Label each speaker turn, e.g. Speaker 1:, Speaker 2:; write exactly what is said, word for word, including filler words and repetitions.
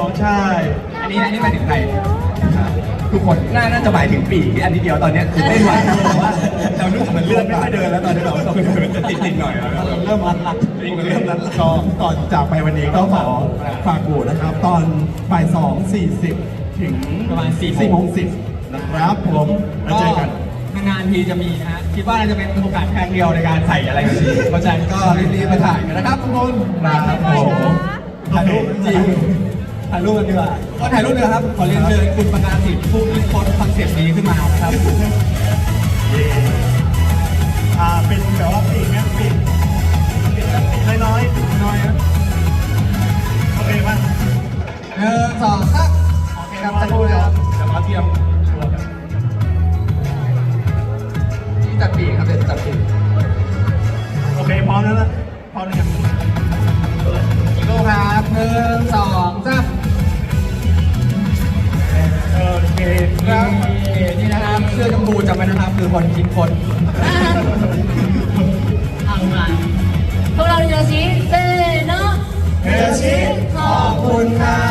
Speaker 1: ใช่
Speaker 2: อันนี้อันนี้หมายถึงใครทุกคนน่าน่าจะหมายถึงปีกที่อันนี้เดียวตอนนี้คือไม่ไหวเพราะว่าเรารู้สึกมันเลื่อนไม่ค่อยเดินแล้วตอนนี้เราต้องจะติดติดหน่อยแล้ว
Speaker 1: เริ่มรัดหลักเริ่มรัดหลักก็ก่อนจากไปวันนี้ก็ขอฝากบูนะครับ ตอนบ่ายสองสี่สิบถึง
Speaker 2: ประมาณสี่
Speaker 1: สี่โมงสิบนะครับผมแล้วเจอกัน
Speaker 2: นานๆทีจะมีนะฮะคิดว่าน่าจะเป็นโอกาสแค่เดียวในการใส่อะไรแบบนี้เพราะฉะนั้นก็รีบๆมาถ่ายกันนะครับทุกคน
Speaker 1: ครับผม
Speaker 2: ถ่ายรูปจริงถ่ายรูปกันดีกว่าก็ถ่ายรูปเลยครับขอเรียนเชิญคุณประกาศสิทธิ์ผู้คิดค้นคอนเซ็ปต์นี้ขึ้นมานะครับ
Speaker 1: อ่าเป็นแบบว่าปีกนะปีกปีกน้อยๆน้อยนะโอเคป่ะ
Speaker 2: หนึ่งสองสามโอเคครับจะพูดเลยครับ
Speaker 1: เดี๋ยวมาเตรียมตัวกัน
Speaker 2: ที่จัดปีกครับเดี๋ยวจัดปีก
Speaker 1: โอเคพร้อมแล้วนะพร้อมแล้วยัง
Speaker 2: อีกรูปครับหนึ่งสองสาม
Speaker 1: โอเคครับ
Speaker 2: นี่นะครับเสื้อชมพูจำไว้นะครับคือคนคิดค้น
Speaker 3: เอามาพวกเราเดี๋ยวสิเต้เนาะ
Speaker 1: เฮชิขอบคุณครับ